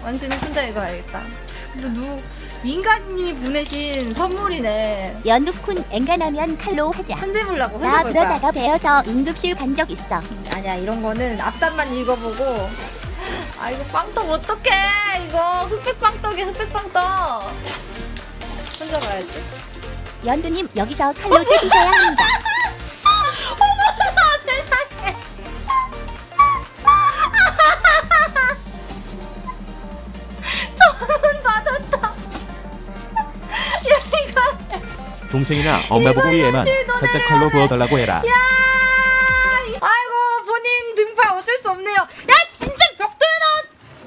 완전히 혼자 읽어야겠다. 근데 민가님이 보내신 선물이네. 연두쿤 엔간하면 칼로 하자. 편지 보려고 나 혼자 볼 거야. 그러다가 배워서 응급실 간 적 있어. 아니야, 이런 거는 앞단만 읽어보고. 아, 이거 빵떡 어떡해. 이거 흑백빵떡이야, 흑백빵떡. 혼자 봐야지. 연두님 여기서 칼로 때리셔야 합니다. 어머나 세상에. 저는 받았다. 야, 이거. 동생이나 엄마 보고 위에만 살짝 칼로 부어달라고 해라. 야! 아이고, 본인 등파 어쩔 수 없네요. 야, 진짜 벽돌 나왔.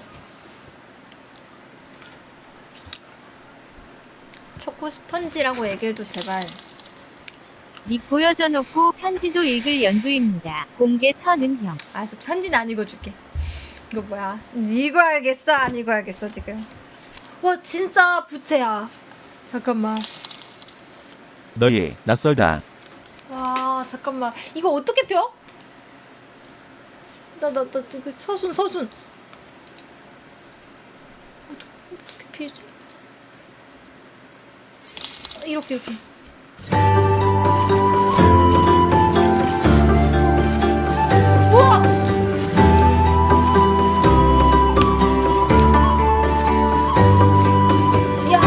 초코 스펀지라고 얘기해도 제발. 닉 보여줘 놓고 편지도 읽을 연두입니다. 공개 천은형. 알았어, 편지는 안 읽어줄게. 이거 뭐야? 읽어야겠어, 안 읽어야겠어 지금. 와, 진짜 부채야. 잠깐만. 너희 낯설다. 와, 잠깐만. 이거 어떻게 펴? 그 서순. 어떻게 피우지? 이렇게. 우와! 이야!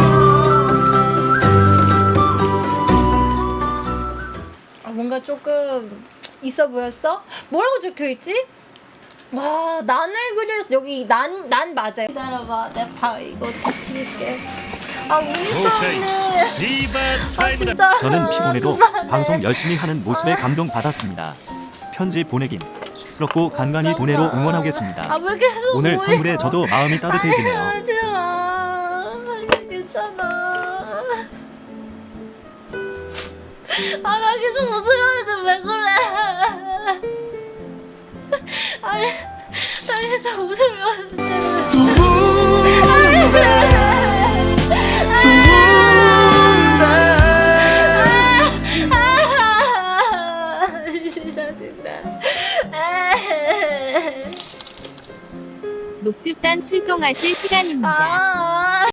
아, 뭔가 조금 있어 보였어? 뭐라고 적혀있지? 와, 난을 그렸어. 여기 난 맞아요. 기다려봐, 내가 이거 다 찍을게. 아, 운이 아, 진짜. 저는 피곤해도 방송 열심히 하는 모습에 감동받았습니다. 편지 보내긴 쑥스럽고 간간히 보내로 응원하겠습니다. 아, 왜 계속 오늘 올려? 선물에 저도 마음이 따뜻해지네요. 하지 마. 괜찮아. 아, 나 계속 웃으려는데 왜 그래? 아니, 나 계속 웃으려는데. 녹집단 출동하실 시간입니다. 아,